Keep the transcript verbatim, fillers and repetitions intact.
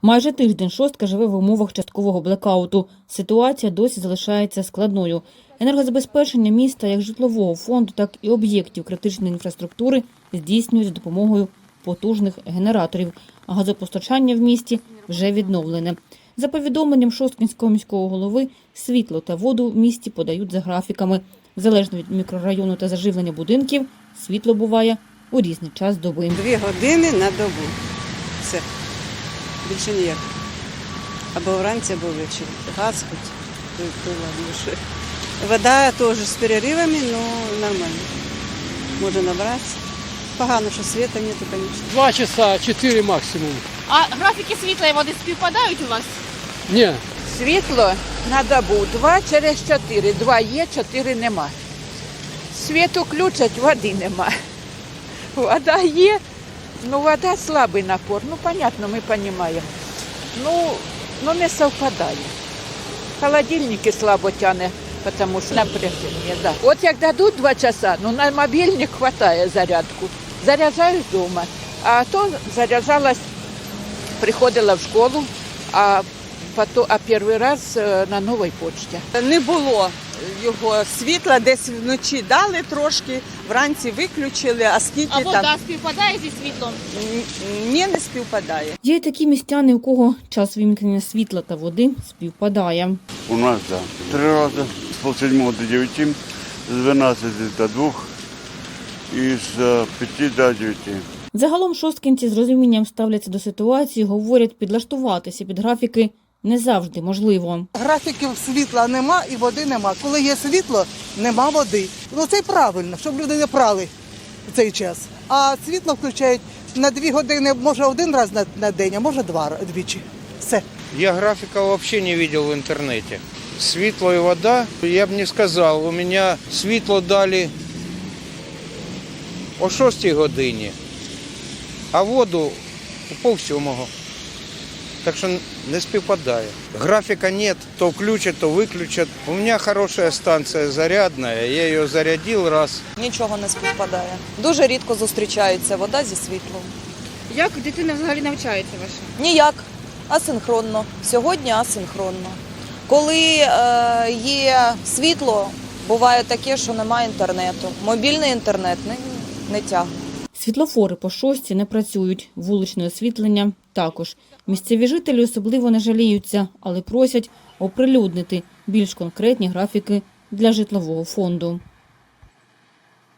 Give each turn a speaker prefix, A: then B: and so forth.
A: Майже тиждень шостка живе в умовах часткового блекауту. Ситуація досі залишається складною. Енергозабезпечення міста як житлового фонду, так і об'єктів критичної інфраструктури здійснюють за допомогою потужних генераторів. А газопостачання в місті вже відновлене. За повідомленням Шосткинського міського голови, світло та воду в місті подають за графіками. Залежно від мікрорайону та заживлення будинків, світло буває у різний час доби.
B: Дві години на добу. Все. Більше ніяк. Або вранці, або ввечері. Газ хоч, то, то ладно. Що. Вода теж з переривами, але нормально. Можна набратися. Погано, що світу нету, звісно.
C: Два часа, чотири максимум.
D: А графіки світла і води співпадають у вас?
C: Ні.
E: Світло на добу два через чотири. Два є, чотири нема. Світ включать, води нема. Вода є, ну вода слабий напор. Ну, понятно, ми розуміємо. Ну, ну не совпадає. Холодильники слабо тягне, тому що напряження. Да. От як дадуть два часа, ну на мобільник вистачає зарядку. Заряджаюсь вдома. А то заряджалась, приходила в школу, а Потім, а перший раз на новій почті.
F: Не було його світла, десь вночі дали трошки, вранці виключили, а скільки
D: А вода
F: там...
D: співпадає зі світлом?
F: Ні, не співпадає.
A: Є й такі містяни, у кого час вимкнення світла та води співпадає.
G: У нас, так. Да. Три рази. З полсьомого до дев'яти, з дванадцяти до двох і з п'яти до дев'яти.
A: Загалом шосткинці з розумінням ставляться до ситуації, говорять, підлаштуватися під графіки не завжди можливо.
H: Графіків світла нема і води нема. Коли є світло, нема води. Ну це правильно, щоб люди не прали в цей час. А світло включають на дві години, може один раз на, на день, а може два двічі. Все.
I: Я графика вообще не видел в интернете. Светло и вода, я бы не сказал. У меня світло дали о шостій годині, а воду о полсьомого. Так що не співпадає. Графіка нет, то включат, то виключать. У мене хороша станція зарядна, я її зарядив раз.
J: Нічого не співпадає. Дуже рідко зустрічається вода зі світлом.
D: Як дитина взагалі навчається ваша?
J: Ніяк. Асинхронно. Сьогодні асинхронно. Коли е, є світло, буває таке, що немає інтернету. Мобільний інтернет не, не тягне.
A: Світлофори по шостці не працюють, вуличне освітлення також. Місцеві жителі особливо не жаліються, але просять оприлюднити більш конкретні графіки для житлового фонду.